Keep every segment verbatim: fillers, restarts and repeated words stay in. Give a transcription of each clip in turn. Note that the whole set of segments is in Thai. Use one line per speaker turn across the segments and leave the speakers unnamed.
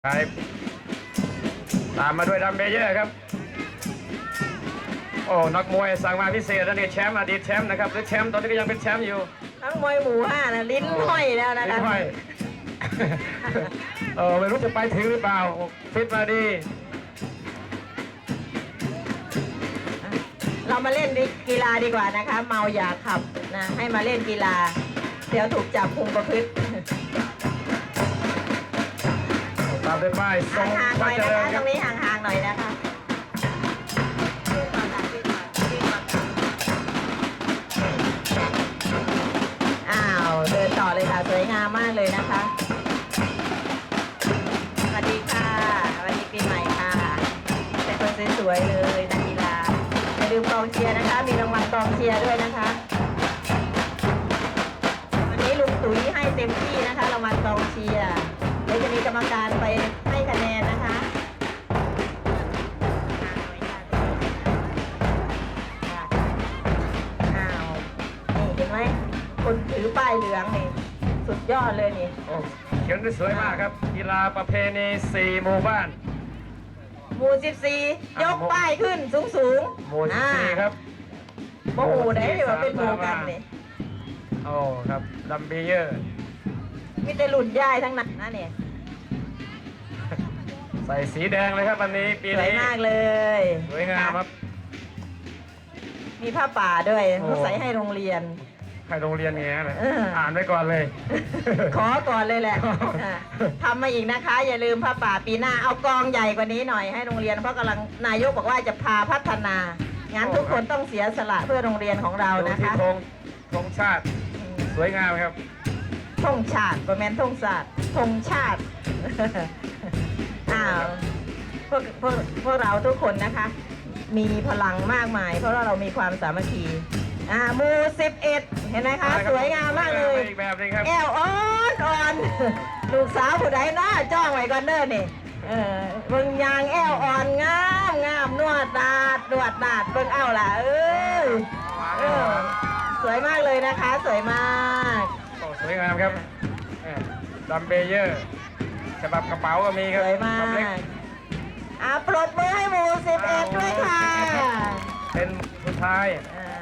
ครับตามมาด้วยดัมเบลเยอร์ครับโอ้นักมวยสั่งมาพิเศษแล้วนี่แชมป์อดีตแชมป์นะครับหรือแชมป์ตอนนี้ก็ยังเป็นแชมป์อยู่
ทั้งมวยหมู่ห้านะลิ้นห้อยแล้วนะคะ
ลิ้นห้อยเออไม่รู้จะไปถึงหรือเปล่าฟิตมาดี
เรามาเล่นกีฬาดีกว่านะคะเมาอย่าขับนะให้มาเล่นกีฬาเดี๋ยวถูกจับคุมประพฤติ
ตามด้วยป้ายทรง
ห่างๆหน่อยนะคะตรงนี้ห่างๆหน่อยนะคะอ้าวเดินต่อเลยค่ะสวยงามมากเลยนะคะสวัสดีค่ะสวัสดีปีใหม่ค่ะเป็นคนสวยๆเลยนักกีฬาอย่าลืมกองเชียร์นะคะมีรางวัลกองเชียร์ด้วยนะคะวันนี้ลุงตุ๋ยให้เต็มที่นะคะรางวัลกองเชียร์เดี๋ยวจะมีกรรมการไปให้คะแนนนะคะอ้าวนี่เห็นไหมคนถือป้ายเหลืองนี่สุดยอดเลยนี่
โอ้เขียนได้สวยมากครับกีฬาประเพณีสี่หมู่บ้าน
หมู่สิบสี่ยกป้ายขึ้นสูงสูง
หมู่สิบสี่ครับ
โอ้โหได้ที่ว่าเป็นหมู่กันนี่
โอ้ครับดัมเบลเยอร์
มีแต่หลุดย่ายทั้งนั้นนะเนี่ย
ใส่สีแดงเลยครับวันนี้ปีนี้
สวยมากเลย
สวยงามครับ
มีผ้าป่าด้วยเขาใส่ให้โรงเรียน
ให้โรงเรียนอย่างเงี้ยเลยอ่านไว้ก่อนเลย
ขอก่อนเลยแหละทำมาอีกนะคะอย่าลืมผ้าป่าปีหน้าเอากองใหญ่กว่านี้หน่อยให้โรงเรียนเพราะกำลังนายกบอกว่าจะพาพัฒนางั้นทุกคนต้องเสียสละเพื่อโรงเรียนของเรานะคะ
ธงธงชาติสวยงามครับ
ธงชาติประแมนธงชาติธงชาติอ้าวพวกพวกพวกเราทุกคนนะคะมีพลังมากมายเพราะว่าเรามีความสามัคคีอ่าหมู่สิบเอ็ดเห็นไหมคะสวยงามมากเลยแก้วอ่อนอ่อนลูกสาวผู้ใดน้าจ้องไว้ก่อนเด้อนี่เออเบิ่งยางแอวอ่อนงามงามนวดดาดนวดดาดเบิ่งเอาล่ะเอ้ยเออสวยมากเลยนะคะสวยมาก
โอ้สวยงามครับดัมเบลเยอร์ฉบับกระเป๋าก็มีครับ
สวยมากอ่าปรบมือให้หมู่สิบเอ็ดด้วยค่ะ
เป็นสุดท้าย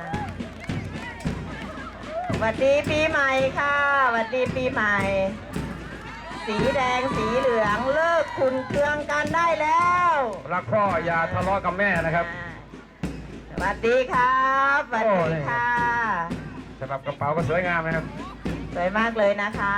สวัสดีปีใหม่ค่ะสวัสดีปีใหม่สีแดงสีเหลืองเลิกขุ่นเคืองกันได้แล้ว
รักพ่ออย่าทะเลาะกับแม่นะครับ
สวัสดีครับสวัสดีค่ะ
ฉบับกระเป๋าก็สวยงามนะครับ
สวยมากเลยนะคะ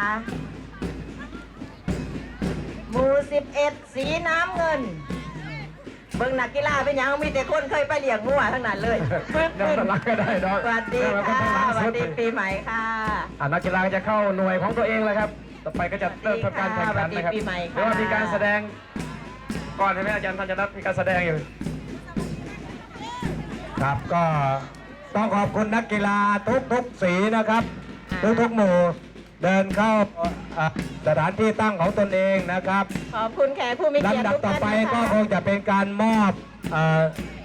หมู่สิบเอ็ดสีน้ำเงินเบิ่งนักกีฬาเป็นยังมีแต่คนเคยไปเลี้ยงมั่วทั้งนั้นเลย
ปึ๊บปึ๊บรักก็ได้ดอก
สวัสดีค่ะสวัสดีปีใหม่ค่ะ
นักกีฬาจะเข้าหน่วยของตัวเองแล้วครับต่อไปก็จะเริ่มทำการแข่งขันนะครับหรือว่ามีการแสดงก่อนใช่ไหมอาจารย์ธัญรัตน์มีการแสดงอยู่
ครับก็ต้องขอบคุณนักกีฬาทุกทุกสีนะครับทุกทุกหมู่เดินเข้าสถานที่ตั้งของตนเองนะครับ
ขอบคุณแขกผู้มีเกียรติ
ลำดับต่อไปก็คงจะเป็นการมอบ